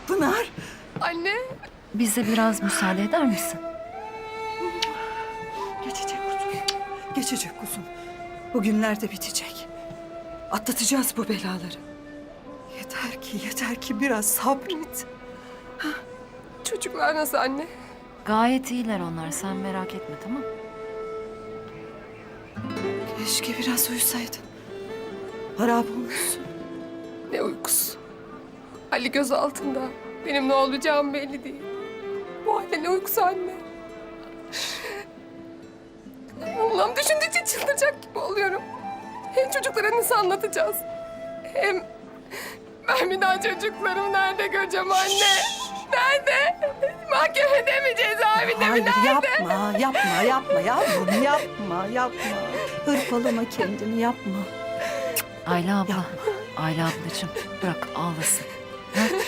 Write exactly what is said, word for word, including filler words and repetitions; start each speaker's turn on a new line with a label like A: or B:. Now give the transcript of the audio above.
A: Pınar.
B: Anne.
C: Bize biraz müsaade eder misin?
A: Geçecek kuzum. Geçecek kuzum. Bu günler de bitecek. Atlatacağız bu belaları. Yeter ki, yeter ki biraz sabret.
B: Çocuklar nasıl anne?
C: Gayet iyiler onlar. Sen merak etme, tamam mı?
A: Keşke biraz uyusaydın. Harap olmuşsun.
B: Ne uykusu. Ali göz altında. Benim ne olacağım belli değil. Bu halde ne uykusu anne? Allah'ım düşündükçe çıldıracak gibi oluyorum. Hem çocuklara nasıl anlatacağız? Hem ben bir daha çocuklarımı nerede göreceğim anne? Nerede? Mahkemede mi, cezaevinde mi,
A: Hayır,
B: nerede?
A: yapma, yapma, yapma yavrum, yapma, yapma. Hırpalama kendini, yapma.
C: Ayla abla.
A: Yapma.
C: Ayla ablacığım bırak ağlasın. Ha?